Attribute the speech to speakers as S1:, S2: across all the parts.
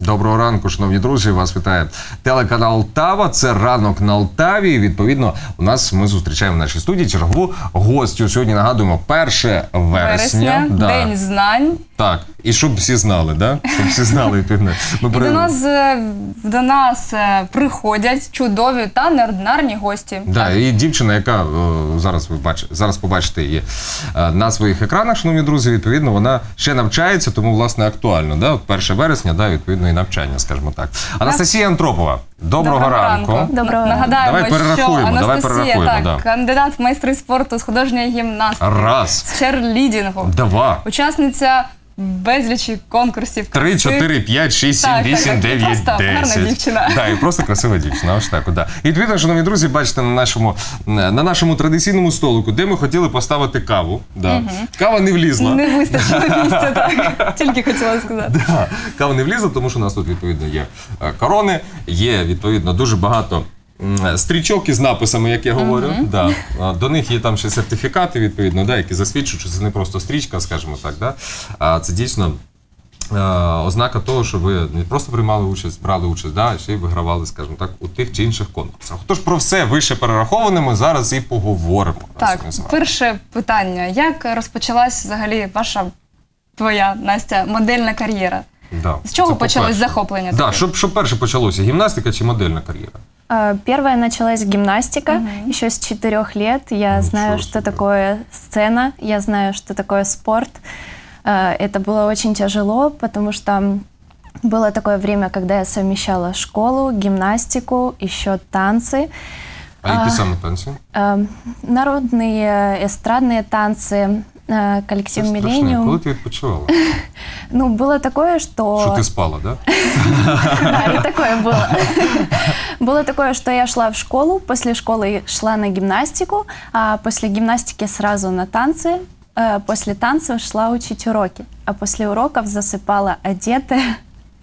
S1: Доброго ранку, шановні друзі, вас вітає телеканал Тава, це «Ранок на Алтаві». І, відповідно, ми зустрічаємо в нашій студії чергову гостю. Сьогодні, нагадуємо, 1 вересня.
S2: День знань.
S1: Так, і щоб всі знали, да? Щоб всі знали, відповідно.
S2: До нас приходять чудові та неординарні гості.
S1: Да, і дівчина, яка зараз побачите її на своїх екранах, шановні друзі, відповідно, вона ще навчається, тому, власне, актуально. Да? 1 вересня, да, відповідно, і навчання, скажімо так. Анастасія Антропова, доброго ранку.
S2: Доброго. Нагадаємо, що Анастасія, кандидат в майстри спорту з художньої гімнастики, з черлідингу, учасниця безлічі конкурсів.
S1: 3, 4, 5, 6, 7, 8, 9, 10.
S2: Просто гарна дівчина.
S1: Так, і просто красива дівчина. Ось так, да. І відповідно, шановні друзі, бачите на нашому традиційному столику, де ми хотіли поставити каву. Да. Кава не влізла.
S2: Не вистачило місця, так. Тільки хотіла сказати.
S1: Да. Кава не влізла, тому що у нас тут, відповідно, є корони, є, відповідно, дуже багато стрічок із написами, як я говорю. Да. До них є там ще сертифікати, відповідно, да, які засвідчують, що це не просто стрічка, скажімо так, да, а це дійсно ознака того, що ви не просто приймали участь, брали участь, да, а ще й вигравали, скажімо так, у тих чи інших конкурсах. Тож про все вище перераховане ми зараз і поговоримо.
S2: Так, перше питання. Як розпочалась взагалі твоя, Настя, модельна кар'єра?
S1: Да.
S2: З чого почалось захоплення?
S1: Да, що перше почалося? Гімнастика чи модельна кар'єра?
S3: Первая началась гимнастика. Еще с 4 лет. Я знаю, что такое сцена, я знаю, что такое спорт. Это было очень тяжело, потому что было такое время, когда я совмещала школу, гимнастику, еще танцы.
S1: А які саме танці?
S3: Народные, эстрадные танцы, коллектив «Миллениум».
S1: Коли ти відпочивала?
S3: Ну, было такое, что...
S1: Что ты спала, да?
S3: Да, и такое было. Было такое, что я шла в школу, после школы шла на гимнастику, а после гимнастики сразу на танцы, после танцев шла учить уроки, а после уроков засыпала одетая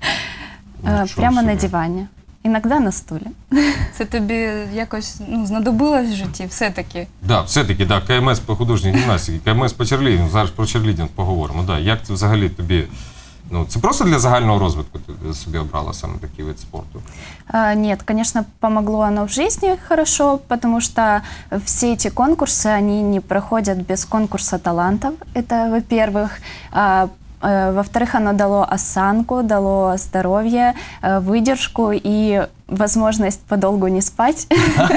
S3: прямо на диване. Іноді на стулі.
S2: Це тобі якось знадобилось в житті все-таки?
S1: Так, все-таки, так, КМС по художній гімнастиці, КМС по черлідингу, зараз про черлідинг поговоримо. Да. Як це взагалі тобі, це просто для загального розвитку ти собі обрала саме такий вид спорту?
S3: Нет, конечно, помогло оно в жизни хорошо, потому что все эти конкурсы, они не проходят без конкурса талантов, это во-первых. Во-вторых, оно дало осанку, дало здоровье, выдержку и возможность подолгу не спать.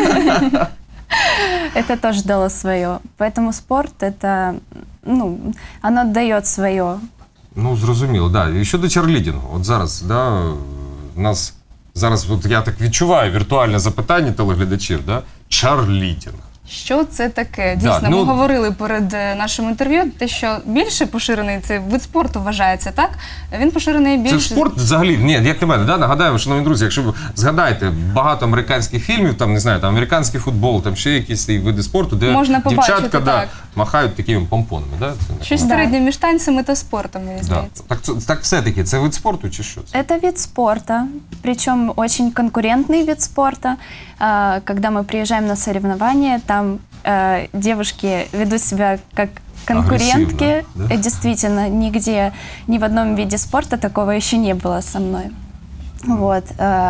S3: Это тоже дало свое. Поэтому спорт, это, оно дает свое.
S1: Ну, зрозуміло, так. І щодо черлідингу. От зараз, да, у нас, зараз, от я так відчуваю віртуальне запитання телеглядачів, да? Черлідинг.
S2: Що це таке? Дійсно, ми говорили перед нашим інтерв'ю, те, що більше поширений цей вид спорту вважається, так? Він поширений більше...
S1: Це спорт взагалі, ні, як на мене, да? Нагадаємо, шановні друзі, якщо ви згадаєте багато американських фільмів, там, не знаю, там американський футбол, там ще якісь види спорту, де дівчатка махають такими помпонами, да?
S2: Щось середнє між танцями та спортом, мені здається.
S1: Так все-таки, це вид спорту чи що це?
S3: Это вид спорта, причем очень конкурентный вид спорта. Когда мы приезжаем на соревнования, там девушки ведут себя как конкурентки. Да? Действительно, нигде, ни в одном виде спорта такого еще не было со мной. Вот.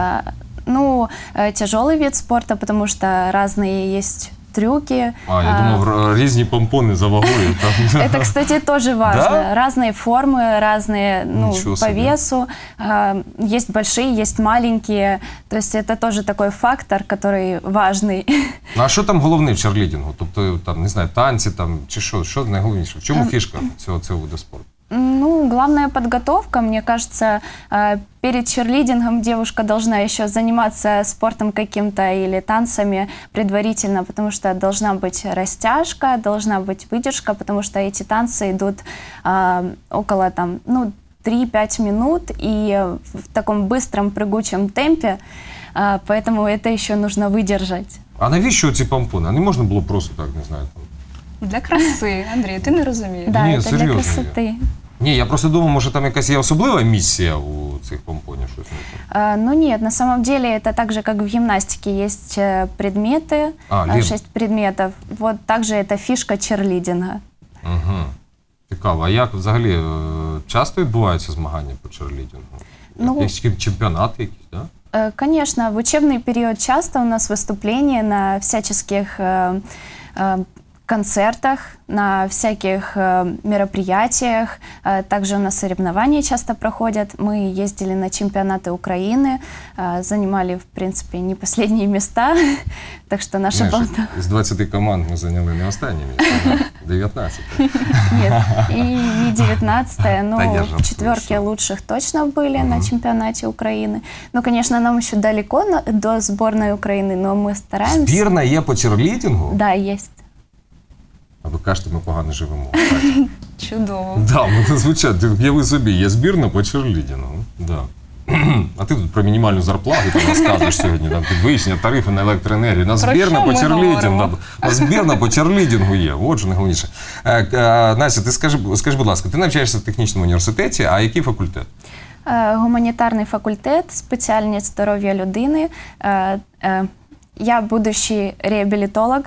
S3: Тяжелый вид спорта, потому что разные есть трюки.
S1: Я думал, різні помпони за вагою.
S3: Это, кстати, тоже важно.
S1: Да?
S3: Разные формы, разные по весу. Есть большие, есть маленькие. То есть это тоже такой фактор, который важный.
S1: А що там головне в черлідингу? Тобто, там, не знаю, танці там, чи що? Що найголовніше? В чому фішка цього виду спорту?
S3: Главная подготовка, мне кажется, перед черлидингом девушка должна еще заниматься спортом каким-то или танцами предварительно, потому что должна быть растяжка, должна быть выдержка, потому что эти танцы идут около 3-5 минут и в таком быстром прыгучем темпе, поэтому это еще нужно выдержать.
S1: А навіщо ці помпони? А не можна було просто так, не знаю, там...
S2: Для краси, Андрій, ти не розумієш.
S3: Да, ні, это для красоты.
S1: Ні, я просто думав, може там якась є особлива місія у цих помпонів?
S3: Нет, на самом деле это так же, как в гимнастике. Есть предметы, 6 предметов. Вот также это фишка черлидинга.
S1: Цікаво. А як взагалі часто відбуваються змагання по черлідингу? Якісь чемпіонати якісь, так?
S3: Да? Конечно, в учебный период часто у нас выступления на всяческих концертах, на всяких мероприятиях. Также у нас соревнования часто проходят. Мы ездили на чемпионаты Украины, занимали, в принципе, не последние места. Так что наша балта...
S1: Из 20 команд мы заняли не останние места, 19.
S3: Нет, и не 19-е, но в четверке лучших точно были на чемпионате Украины. Ну, конечно, нам еще далеко до сборной Украины, но мы стараемся.
S1: Збірна є по черлідингу?
S3: Да, есть.
S1: А ви кажете, ми погано живемо.
S2: Чудово.
S1: Да, звучать, уяви собі, є збірна по черлідингу. Да. А ти тут про мінімальну зарплату розказуєш сьогодні, там підвищення тарифи на електроенергію. У нас збірна по черлідингу. У нас збірна по черлідингу є, от що найголовніше. Настя, ти скажи, будь ласка, ти навчаєшся в технічному університеті, а який факультет?
S3: Гуманітарний факультет, спеціальність здоров'я людини. Я будущий реабілітолог.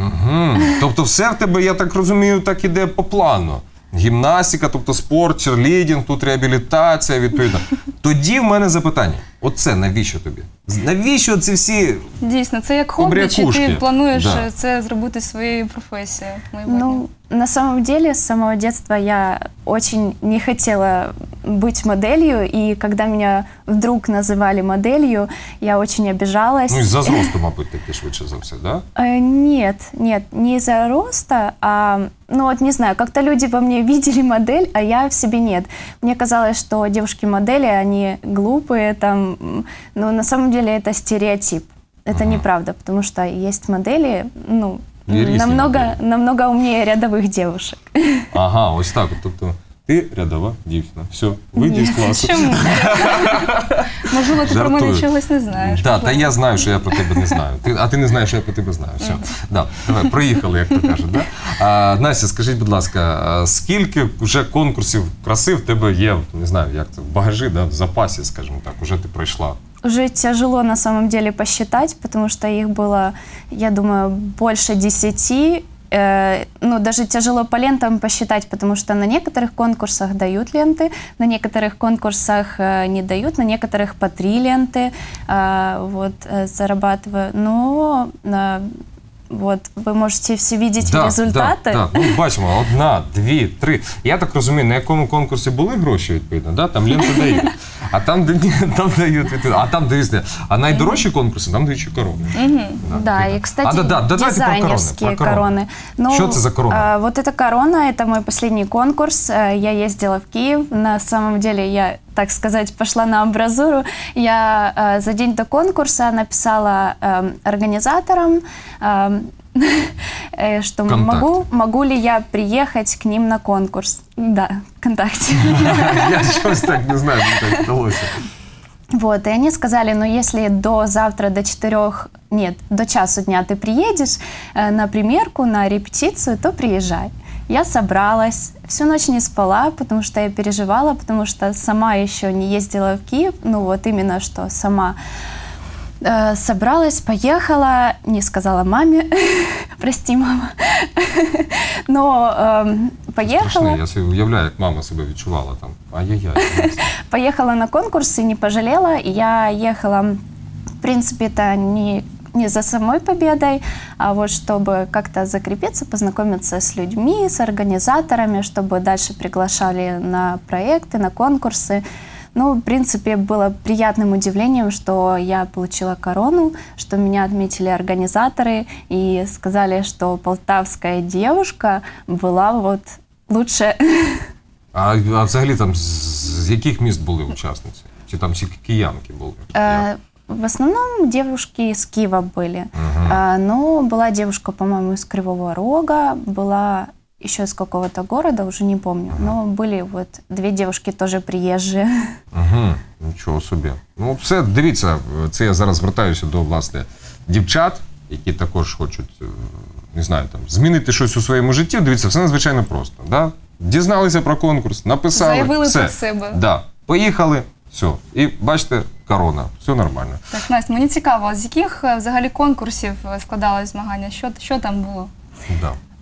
S1: Тобто все в тебе, я так розумію, так іде по плану. Гімнастика, тобто спорт, черлідинг, тут реабілітація, відповідно. Тоді в мене запитання. Оце навіщо тобі? Навіщо ці всі
S2: Дійсно, це як хобі, чи ти плануєш це зробити своєю професією?
S3: Ну, на самом деле, с самого детства я очень не хотела быть моделью, и когда меня вдруг называли моделью, я очень обижалась.
S1: Ну, из-за роста, мабуть, таки швидше за все, да?
S3: Нет, не из-за роста, а, ну вот не знаю, как-то люди во мне видели модель, а я в себе нет. Мне казалось, что девушки-модели, они глупые, там, но на самом деле это стереотип. Это неправда, потому что есть модели, ну, намного умнее рядових девушек.
S1: Ага, ось так. Тобто ти рядова дівчина. Все, вийди з класу.
S2: Чому? Можливо, ти про мене чогось не знаєш.
S1: Так, та я знаю, що я про тебе не знаю. А ти не знаєш, що я про тебе знаю. Все. Давай, проїхали, як то кажуть. Настя, скажіть, будь ласка, скільки вже конкурсів краси в тебе є, не знаю, як це, в багажі, в запасі, скажімо так, уже ти пройшла?
S3: Уже тяжело на самом деле посчитать, потому что их было, я думаю, больше 10. Ну, даже тяжело по лентам посчитать, потому что на некоторых конкурсах дают ленты, на некоторых конкурсах не дают, на некоторых по 3 ленты вот, зарабатываю. Но вот, ви можете всі бачити результати.
S1: Так, ну, бачимо, 1, 2, 3. Я так розумію, на якому конкурсі були гроші, відповідно, да? Там ленти дають. А там дають, а там, дивіться, а найдорожчі конкурси, там дають ще корони.
S3: Да, и, кстати, дизайнерские короны.
S1: Что это за корона?
S3: Вот эта корона, это мой последний конкурс. Я ездила в Киев. На самом деле я, так сказать, пошла на амбразуру. Я за день до конкурса написала организаторам, что могу ли я приехать к ним на конкурс. Да, ВКонтакте.
S1: Я щось так не знаю, как так вдалося.
S3: Вот, и они сказали, ну если до завтра, до часу дня ты приедешь на примерку, на репетицию, то приезжай. Я собралась, всю ночь не спала, потому что я переживала, потому что сама еще не ездила в Киев, ну вот именно что сама. Собралась, поехала, не сказала маме, прости, мама, но поехала.
S1: Страшно, я себе уявляю, як мама себе відчувала там, ай-яй-яй.
S3: Поехала на конкурс и не пожалела, я ехала, в принципе, это не за самой победой, а вот чтобы как-то закрепиться, познакомиться с людьми, с организаторами, чтобы дальше приглашали на проекты, на конкурсы. Ну, в принципе, было приятным удивлением, что я получила корону, что меня отметили организаторы и сказали, что полтавская девушка была вот лучше.
S1: А взагалі там з яких міст були учасниці? Чи там всі киянки були?
S3: В основном девушки из Киева были. Но была девушка, по-моему, из Кривого Рога, была еще из какого-то города, уже не помню. Но были вот 2 девушки тоже приезжие.
S1: Нічого собі. Ну, все, дивіться, це я зараз звертаюся до, власне, дівчат, які також хочуть, не знаю, там, змінити щось у своєму житті. Дивіться, все надзвичайно просто. Да? Дізналися про конкурс, написали,
S2: заявили
S1: все.
S2: Про себе.
S1: Да. Поїхали, все. І бачите, корона, все нормально.
S2: Так, Настя, мені цікаво, з яких взагалі конкурсів складались змагання? Що там було?
S1: Да.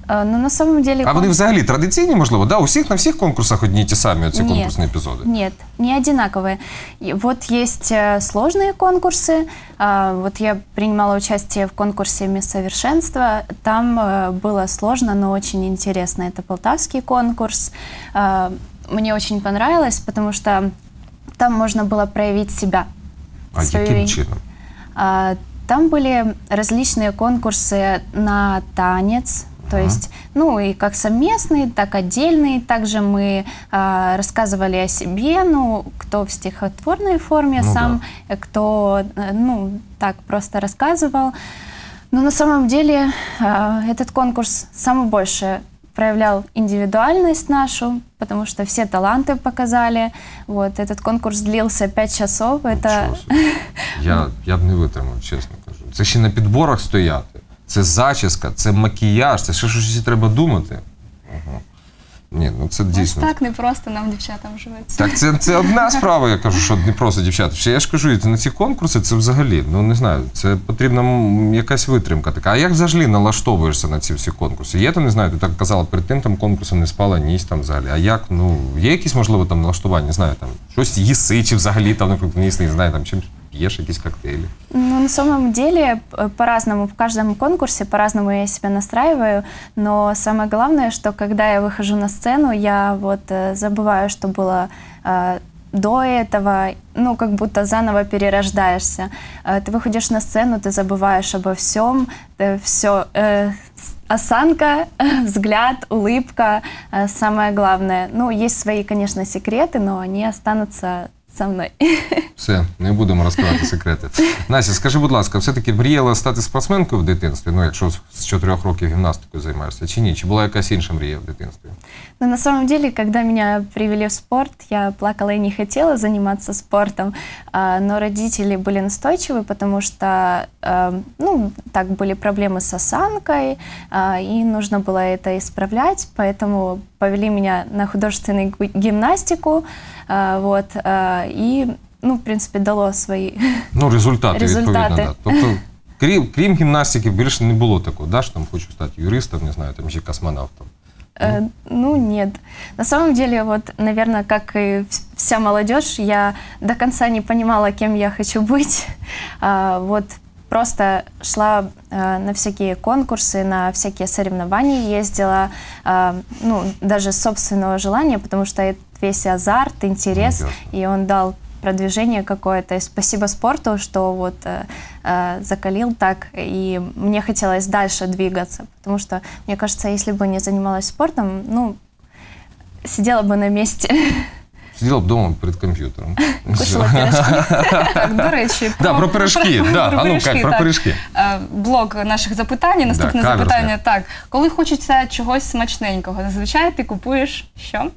S3: Ну, на самом деле...
S1: А вони взагалі традиційні, можливо? Да? На всіх конкурсах одні й ті самі оці конкурсні епізоди?
S3: Нет, не одинаковые. Вот есть сложные конкурсы. Вот я принимала участие в конкурсе «Мисс Совершенство». Там было сложно, но очень интересно. Это полтавский конкурс. Мне очень понравилось, потому что там можно было проявить себя.
S1: А каким чином?
S3: Там были различные конкурсы на танец, то есть, ну, и как совместные, так отдельные. Также мы рассказывали о себе, ну, кто в стихотворной форме сам, кто, ну, так просто рассказывал. Но на самом деле этот конкурс самый больше проявлял индивидуальность нашу, потому что все таланты показали. Вот, этот конкурс длился 5 часов. Это...
S1: Я б не витримав, чесно кажу. Це ще на підборах стояти. Це зачіска, це макіяж, це ще щось треба думати. Ні, ну це дійсно.
S2: Ось так не просто нам, дівчатам, живеться.
S1: Так, це одна справа, я кажу, що не просто дівчата. Ще я ж кажу, на ці конкурси це взагалі, ну не знаю, це потрібна якась витримка така. А як взагалі налаштовуєшся на ці всі конкурси? Є там, не знаю, ти так казала, перед тим там конкурсом не спала ніч там взагалі. А як, ну, є якісь, можливо, там налаштування, не знаю, там, щось їси, чи взагалі там, наприклад, не знаю, там, чим пьешь какие-то коктейли?
S3: Ну, на самом деле, по-разному. В каждом конкурсе по-разному я себя настраиваю. Но самое главное, что когда я выхожу на сцену, я вот забываю, что было до этого, ну, как будто заново перерождаешься. Ты выходишь на сцену, ты забываешь обо всем, все, осанка, взгляд, улыбка, самое главное. Ну, есть свои, конечно, секреты, но они останутся со мною.
S1: Все, не будемо розкривати секрети. Настя, скажи, будь ласка, все-таки мріяла стати спортсменкою в дитинстві? Ну, якщо з 4 років гімнастикою займаєшся, чи ні? Чи була якась інша мрія в дитинстві?
S3: Ну, на самом деле, когда меня привели в спорт, я плакала и не хотела заниматься спортом, но родители были настойчивы, потому что, ну, так, были проблемы с осанкой, и нужно было это исправлять, поэтому повели меня на художественную гимнастику, вот, и, ну, в принципе, дало свої
S1: результати. Відповідно, да. Тобто, крім гімнастики, більше не було такого, да, що там хочу стати юристом, не знаю, там, чи космонавтом?
S3: Ну, нет. На самом деле, вот, наверное, как и вся молодежь, я до конца не понимала, кем я хочу быть. Вот, просто шла на всякие конкурсы, на всякие соревнования ездила, ну, даже с собственного желания, потому что это весь азарт, интерес, и он дал продвижение какое-то. И спасибо спорту, что вот закалил так, и мне хотелось дальше двигаться, потому что, мне кажется, если бы не занималась спортом, ну, сидела бы на месте.
S1: Сиділа б вдома перед комп'ютером.
S3: Кушала пирожки.
S2: Так, до речі,
S1: про пирожки. А ну, Кать, про пирожки.
S2: Блок наших запитань, наступне запитання. Так, коли хочеться чогось смачненького, зазвичай ти купуєш що?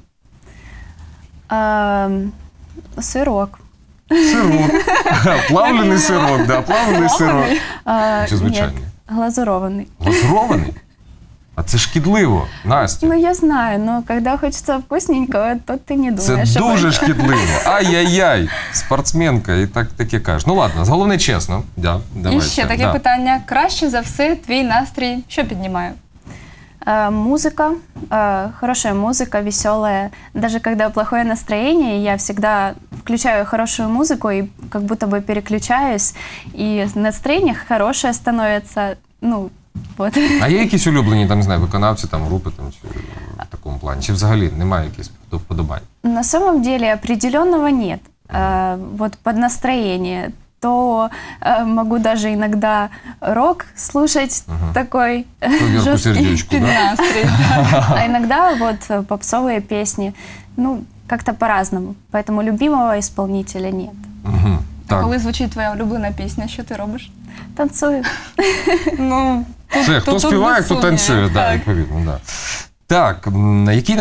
S3: Сирок.
S1: Сирок. Плавлений сирок, да, плавлений сирок. Чи звичайний?
S3: Нет, глазурованный.
S1: Глазурований? А це шкідливо, Настя.
S3: Ну, я знаю, но когда хочется вкусненького, то ты не думаешь.
S1: Це дуже шкідливо. Ай-яй-яй, спортсменка, і таке кажеш. Ну ладно, головне чесно. Да,
S2: і ще таке питання. Краще за все твій настрій що піднімає?
S3: Музыка, хорошая музыка, веселая. Даже когда плохое настроение, я всегда включаю хорошую музыку и как будто бы переключаюсь, и настроение хорошее становится, ну, вот.
S1: А є якісь улюблені, там, не знаю, виконавці, там, групи, там, чи в такому плані? Чи взагалі немає якихось вподобань?
S3: На самом деле определенного нет. Вот под настроение. То могу даже иногда рок слушать, такой
S1: жесткий,
S2: під настрій.
S3: А иногда вот попсовые песни. Ну, как-то по-разному. Поэтому любимого исполнителя нет.
S2: А коли звучить твоя улюблена пісня, що ти робиш?
S3: Танцую.
S2: Ну,
S1: це хто співає, хто танцює, так, відповідно, так. Так, який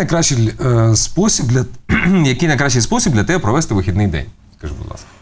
S1: найкращий спосіб для тебе провести вихідний день? Скажи, будь ласка.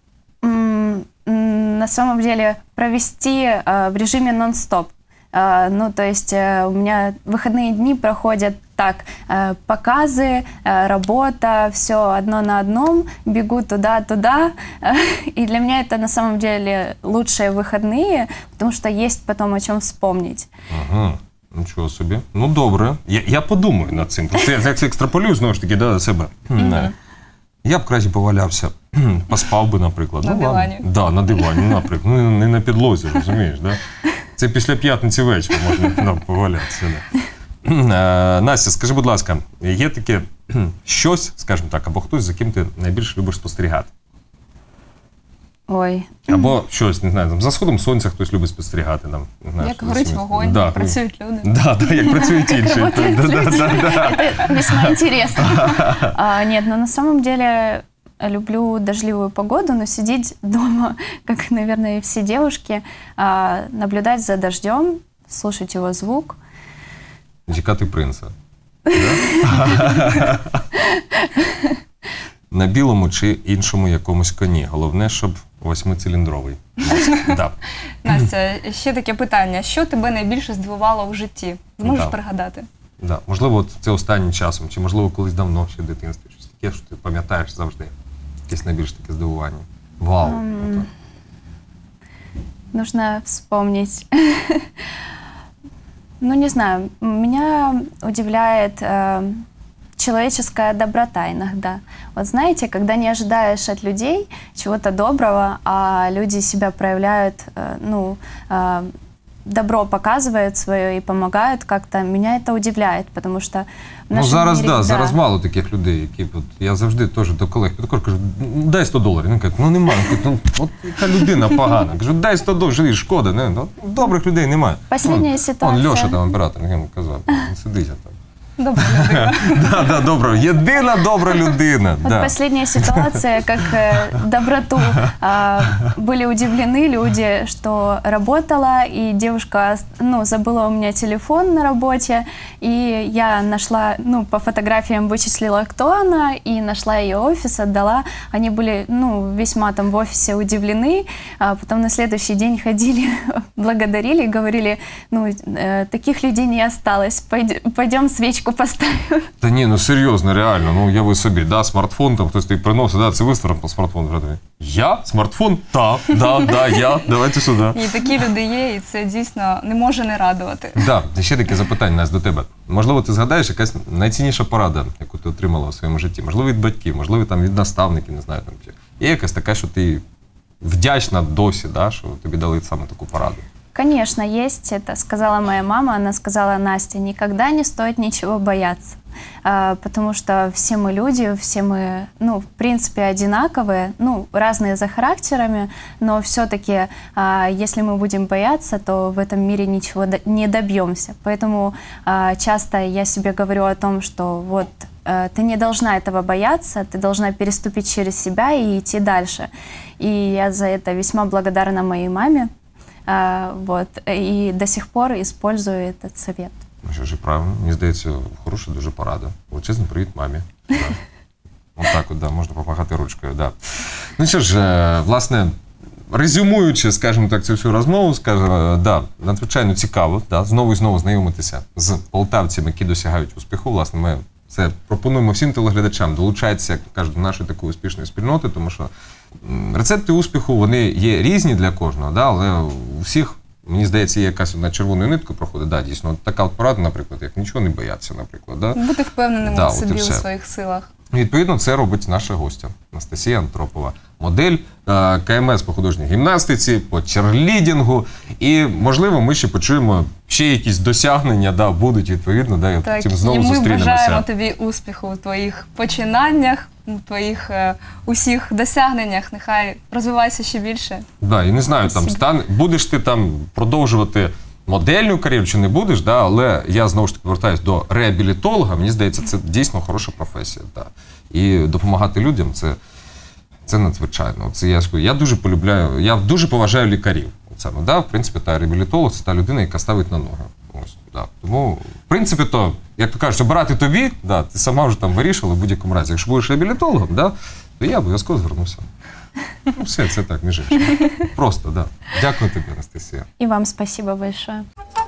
S3: На самом деле провести в режиме нон-стоп. Ну, то есть у меня выходные дни проходят так, показы, работа, все одно на одном, бегу туда-туда. И для меня это на самом деле лучшие выходные, потому что есть потом о чем вспомнить.
S1: Нічого собі. Ну, добре. Я подумаю над цим. Просто я як екстраполюю, знову ж таки, до себе. Я б краще повалявся, поспав би, наприклад.
S2: На дивані.
S1: Да, на дивані, наприклад. Ну, не на підлозі, розумієш, да? Це після п'ятниці вечора можна повалятися. Настя, скажи, будь ласка, є таке щось, скажімо так, або хтось, за ким ти найбільше любиш спостерігати?
S3: Ой.
S1: Або щось, не знаю, там, за сходом сонця хтось любить спостерігати. Там, знаєш,
S2: як горить вогонь,
S1: да,
S2: працюють люди.
S1: Да, як працюють інші.
S3: Это весьма интересно. Нет, но на самом деле люблю дождливую погоду, но сидеть дома, как, наверное, и все девушки, наблюдать за дождем, слушать его звук.
S1: Чекати принца. На білому чи іншому якомусь коні. Головне, щоб 8-циліндровий. Да.
S2: Настя, ще таке питання. Що тебе найбільше здивувало в житті? Зможеш пригадати?
S1: Да. Можливо, це останнім часом, чи можливо колись давно ще в дитинстві. Щось таке, що ти пам'ятаєш завжди. Якесь найбільш таке здивування. Вау!
S3: Нужно вспомнить. Ну, не знаю, меня удивляет человеческая доброта иногда. Вот знаете, когда не ожидаешь от людей чего-то доброго, а люди себя проявляют, добро показывают свое и помогают как-то, меня это удивляет, потому что в нашем
S1: зараз,
S3: мире,
S1: зараз мало таких людей, які, я завжди теж до колег підходжу, кажу, дай $100. Він каже, немає, от яка людина погана. Кажу, дай $100, шкода, не? Добрих людей немає.
S3: Последняя ситуація.
S1: Льоша там оператор, він казав, сидить там.
S2: Добра людина.
S1: Да, добра. Єдина добра людина.
S3: Вот последняя ситуация, как доброту. Были удивлены люди, что работала, и девушка, забыла у меня телефон на работе, и я нашла, по фотографиям вычислила, кто она, и нашла ее офис, отдала. Они были, весьма там в офисе удивлены, а потом на следующий день ходили, благодарили, говорили, таких людей не осталось, пойдем свечку поставим.
S1: Та ні, серйозно, реально, уяви собі, смартфон, там хтось тобі приносить, це виставив по смартфону. Я? Смартфон? Да, я, давайте сюди.
S2: І такі люди є, і це дійсно не може не радувати.
S1: Так, ще таке запитання, Настя, до тебе. Можливо, ти згадаєш якась найцінніша порада, яку ти отримала у своєму житті? Можливо, від батьків, можливо, там від наставників, не знаю. Є якась така, що ти вдячна досі, що тобі дали саме таку пораду?
S3: Конечно, есть. Это сказала моя мама. Она сказала: Настя, никогда не стоит ничего бояться. Потому что все мы люди, все мы, в принципе, одинаковые, разные за характерами, но все-таки, если мы будем бояться, то в этом мире ничего не добьемся. Поэтому часто я себе говорю о том, что вот ты не должна этого бояться, ты должна переступить через себя и идти дальше. И я за это весьма благодарна моей маме. И до сих пор использую этот совет.
S1: Що ж, правильно. Мені здається, хороша дуже порада. Величезний привіт мамі. Отак можна помахати ручкою. Ну що ж, власне, резюмуючи, скажімо так, цю всю розмову, надзвичайно цікаво, знову і знову знайомитися з полтавцями, які досягають успіху. Власне, ми це пропонуємо всім телеглядачам долучатися, як кажуть, до нашої такої успішної спільноти, тому що рецепти успіху, вони є різні для кожного, але у всіх, мені здається, є якась одна червоною ниткою проходить. Дійсно, така порада, наприклад, як нічого не боятися, наприклад.
S2: Бути впевненим у собі, у своїх силах.
S1: Відповідно, це робить наша гостя Анастасія Антропова. Модель КМС по художній гімнастиці, по черлідінгу. І, можливо, ми ще почуємо ще якісь досягнення, будуть відповідно, і потім знову зустрінемося.
S2: І ми бажаємо тобі успіху у твоїх починаннях, у твоїх усіх досягненнях. Нехай розвивайся ще більше. І не знаю, будеш ти там продовжувати модельну кар'єру чи не будеш, але я знову ж таки повертаюсь до реабілітолога. Мені здається, це дійсно хороша професія. І допомагати людям це надзвичайно. Я дуже полюбляю, я дуже поважаю лікарів. В принципі, реабілітолог – це та людина, яка ставить на ноги. Тому, в принципі, як то кажуть, обирати тобі, ти сама вже там вирішила в будь-якому разі. Якщо будеш реабілітологом, то я обов'язково звернуся. Все, це так, між іншим. Просто, Дякую тобі, Анастасія.
S3: І вам спасибо большое.